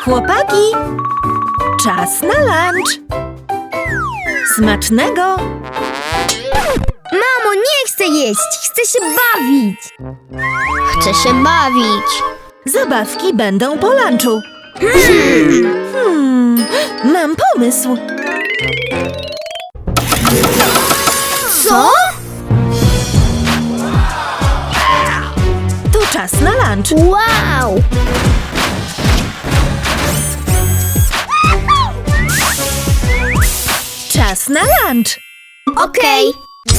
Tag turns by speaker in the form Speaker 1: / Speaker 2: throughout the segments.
Speaker 1: Chłopaki, czas na lunch. Smacznego!
Speaker 2: Mamo, nie chcę jeść, chcę się bawić. Chcę się bawić.
Speaker 1: Zabawki będą po lunchu. Mam pomysł.
Speaker 2: Co?
Speaker 1: To czas na lunch.
Speaker 2: Wow!
Speaker 1: Czas na lunch.
Speaker 2: Okej.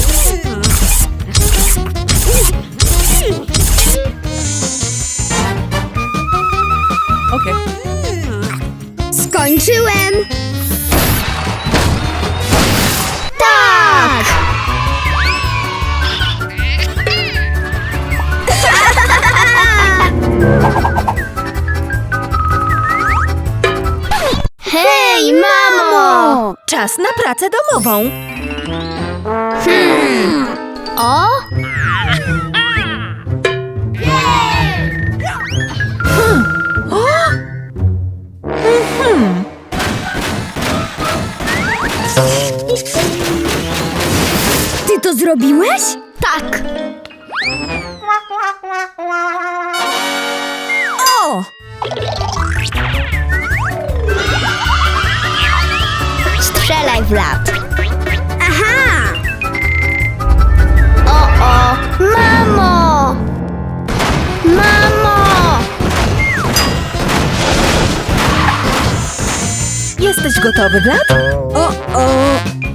Speaker 1: Okej.
Speaker 2: Skończyłem. Tak! Hej, mamo!
Speaker 1: Czas na pracę domową.
Speaker 2: O? Ty to zrobiłeś? Tak.
Speaker 1: O!
Speaker 2: Strzelaj w lat. Aha! O! Mamo! Mamo!
Speaker 1: Jesteś gotowy, Vlad? O!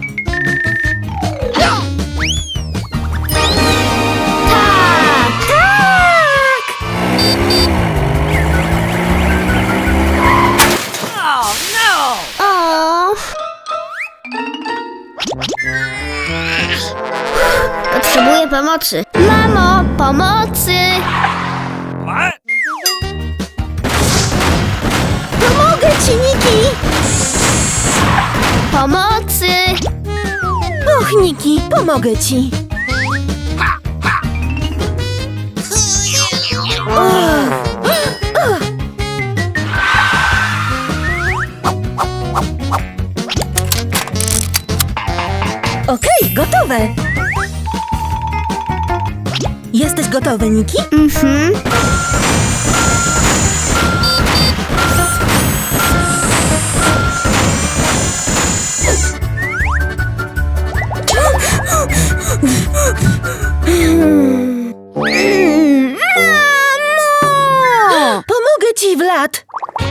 Speaker 2: Tak! Tak! O! Potrzebuję pomocy. Mamo, pomocy!
Speaker 1: Pomogę ci, Niki!
Speaker 2: Pomocy!
Speaker 1: Och, Niki, pomogę ci. Okej, gotowe. Jesteś gotowy, Niki?
Speaker 2: Mhm. Mamo!
Speaker 1: Pomogę ci, Vlad.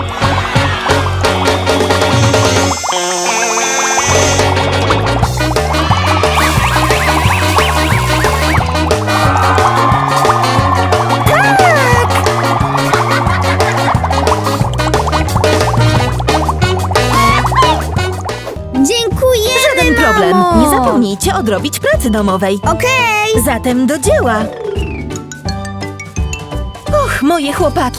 Speaker 2: Dziękujemy,
Speaker 1: Żaden problem.
Speaker 2: mamo!
Speaker 1: Nie zapomnijcie odrobić pracy domowej.
Speaker 2: Okej!
Speaker 1: Zatem do dzieła. Och, moje chłopaki.